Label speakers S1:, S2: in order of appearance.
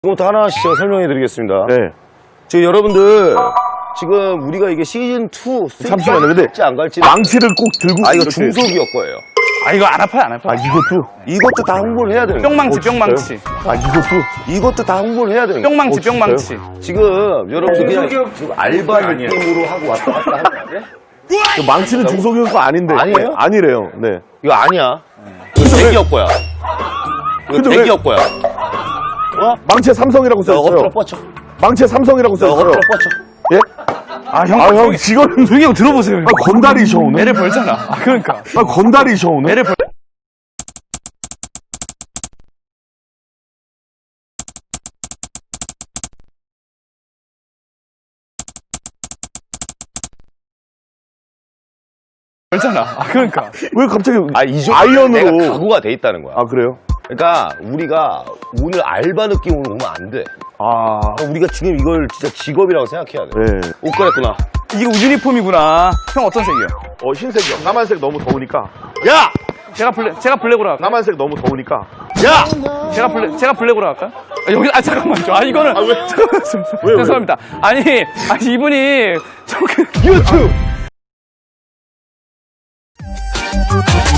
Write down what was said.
S1: 지금부터 하나씩 제가 설명해 드리겠습니다.
S2: 네.
S1: 지금 여러분들, 지금 우리가 이게 시즌2
S2: 잠시만요. 근데
S1: 갈지 안 갈지.
S2: 망치를 꼭 들고.
S1: 아, 이거
S2: 이렇게.
S1: 중소기업 거예요.
S3: 아, 이거 안 아파요, 안 아파요.
S2: 아, 이것도?
S1: 이것도 다 홍보를 해야 되는 거예요.
S3: 뿅망치, 뿅망치.
S2: 아, 이것도?
S1: 이것도 다 홍보를 해야 되는 거예요.
S3: 뿅망치,
S2: 진짜요?
S3: 뿅망치.
S1: 지금 여러분들 그냥 지금 알바 느낌으로 하고 왔다 갔다 하는 거 아니에요?
S2: 그 망치는 중소기업 거 아닌데.
S1: 아니에요?
S2: 네, 아니래요. 네.
S1: 이거 아니야. 이거 대기업 거야. 이거
S2: 근데 왜-
S1: 대기업 거야.
S2: 망치에 삼성이라고
S1: 너
S2: 써있어요.
S1: 엎드려 뻗쳐.
S2: 망치에 삼성이라고
S1: 너
S2: 써있어요.
S1: 엎드려 뻗쳐.
S2: 예?
S3: 아, 형,
S2: 아, 형, 지금.
S3: 조용히 하고 들어보세요. 형.
S2: 아, 건달이셔, 오늘.
S3: 애를 벌잖아. 아, 그러니까.
S2: 아, 건달이셔, 오늘.
S3: 애를 벌. 벌잖아. 아, 그러니까.
S2: 왜 갑자기
S1: 이 정도
S2: 아이언으로.
S1: 내가 각오가 돼 있다는 거야.
S2: 아, 그래요?
S1: 그러니까 우리가 오늘 알바 느낌으로 오면 안 돼.
S2: 아.
S1: 우리가 지금 이걸 진짜 직업이라고 생각해야 돼.
S2: 네.
S1: 옷 갈아입구나.
S3: 이거 유니폼이구나. 형 어떤 색이요?
S2: 흰색이요. 까만색 너무 더우니까.
S1: 야!
S3: 제가 블랙으로 할까요?
S2: 까만색 너무 더우니까.
S1: 야!
S3: 제가 블랙으로 할까요? 아, 여기, 잠깐만요. 아, 이거는.
S2: 왜?
S3: 잠깐만요.
S2: 왜?
S3: 죄송합니다. 아니, 이분이,
S1: 유튜브!